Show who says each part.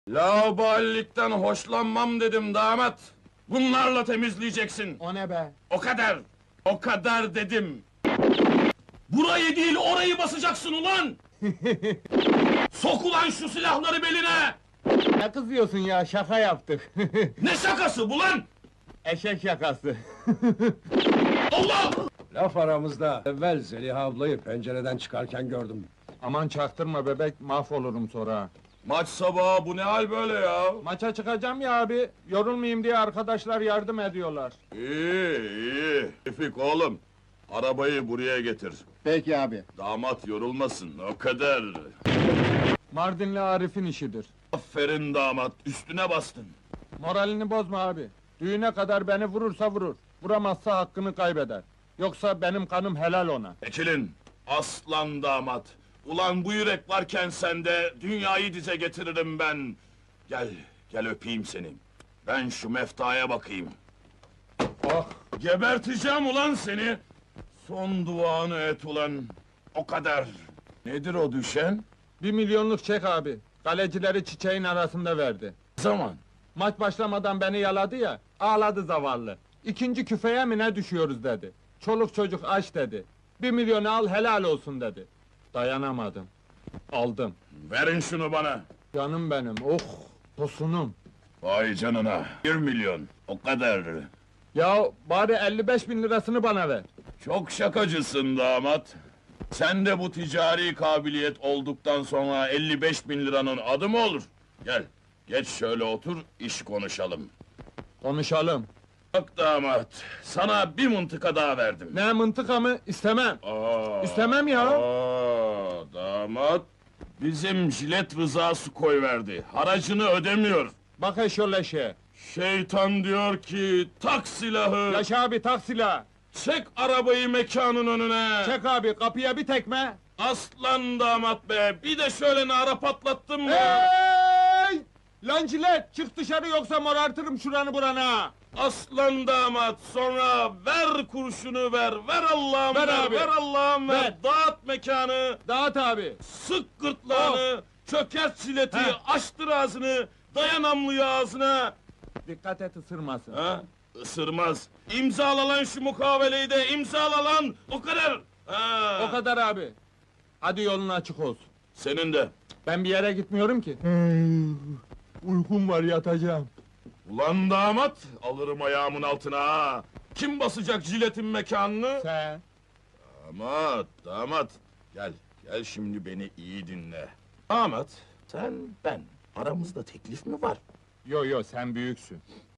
Speaker 1: Laubalilikten hoşlanmam dedim damat. Bunlarla temizleyeceksin.
Speaker 2: O ne be?
Speaker 1: O kadar. O kadar dedim. Burayı değil orayı basacaksın ulan! Sok ulan şu silahları beline!
Speaker 2: Ne kızıyorsun ya, şaka yaptık.
Speaker 1: Ne şakası bu lan?
Speaker 2: Eşek şakası.
Speaker 1: Allah!
Speaker 3: Laf aramızda, evvel Zeliha ablayı pencereden çıkarken gördüm.
Speaker 2: Aman çaktırma bebek, mahvolurum sonra. ha.
Speaker 1: Maç sabahı bu ne hal böyle ya?
Speaker 2: Maça çıkacağım ya abi, yorulmayayım diye arkadaşlar yardım ediyorlar.
Speaker 1: İyi. Tevfik oğlum, arabayı buraya getir.
Speaker 2: Peki abi.
Speaker 1: Damat yorulmasın, o kadar.
Speaker 2: Mardinli Arif'in işidir.
Speaker 1: Aferin damat, üstüne bastın.
Speaker 2: Moralini bozma abi. Düğüne kadar beni vurursa vurur. Vuramazsa hakkını kaybeder. Yoksa benim kanım helal ona.
Speaker 1: Ekilin, aslan damat. Ulan bu yürek varken sende, dünyayı dize getiririm ben. Gel öpeyim seni. Ben şu meftaya bakayım.
Speaker 2: Oh!
Speaker 1: Geberteceğim ulan seni! Son duanı et ulan, o kadar. Nedir o düşen?
Speaker 2: 1 milyonluk çek abi. Kalecileri çiçeğin arasında verdi.
Speaker 1: Zaman.
Speaker 2: Maç başlamadan beni yaladı ya, ağladı zavallı. İkinci küfeye mi ne düşüyoruz dedi. Çoluk çocuk aç dedi. 1 milyonu al helal olsun dedi. Dayanamadım. Aldım.
Speaker 1: Verin şunu bana.
Speaker 2: Canım benim, oh! Tosunum.
Speaker 1: Vay canına, 1 milyon, o kadar.
Speaker 2: Ya bari 55.000 lirasını bana ver.
Speaker 1: Çok şakacısın damat. Sen de bu ticari kabiliyet olduktan sonra 55.000 liranın adı mı olur? Gel, geç şöyle otur, iş konuşalım.
Speaker 2: Konuşalım.
Speaker 1: Bak damat, sana bir mıntıka daha verdim.
Speaker 2: Ne mıntıka mı? İstemem. İstemem ya.
Speaker 1: Damat, bizim jilet rızası koyverdi. Haracını ödemiyor.
Speaker 2: Bak eşoleşe.
Speaker 1: Şeytan diyor ki, tak silahı,
Speaker 2: Yaşa abi tak silahı.
Speaker 1: çek arabayı mekanın önüne.
Speaker 2: Çek abi kapıya bir tekme.
Speaker 1: Aslan damat be, bir de şöyle nara patlattın mı?
Speaker 2: Hey! Lan cilet çık dışarı yoksa morartırım şuranı burana.
Speaker 1: Aslan damat, sonra ver kurşunu ver Allah'ım
Speaker 2: Ver
Speaker 1: ver,
Speaker 2: abi.
Speaker 1: ver Allah'ım ver.
Speaker 2: Ver.
Speaker 1: Dağıt mekanı,
Speaker 2: Dağıt abi.
Speaker 1: sık gırtlağını, çökert sileti,
Speaker 2: Heh.
Speaker 1: açtır ağzını, dayan namluyu ağzına.
Speaker 2: Dikkat et ısırmasın.
Speaker 1: Ha? Isırmaz. İmzala lan şu mukaveleyi de, imzala lan, o kadar. Ha.
Speaker 2: O kadar abi. Hadi yolun açık olsun.
Speaker 1: Senin de.
Speaker 2: Ben bir yere gitmiyorum ki. Uykum var yatacağım.
Speaker 1: Ulan damat, alırım ayağımın altına ha. Kim basacak jiletin mekanını?
Speaker 2: Sen.
Speaker 1: Damat, gel şimdi beni iyi dinle. Damat, sen, ben, aramızda teklif mi var?
Speaker 2: Yo sen büyüksün.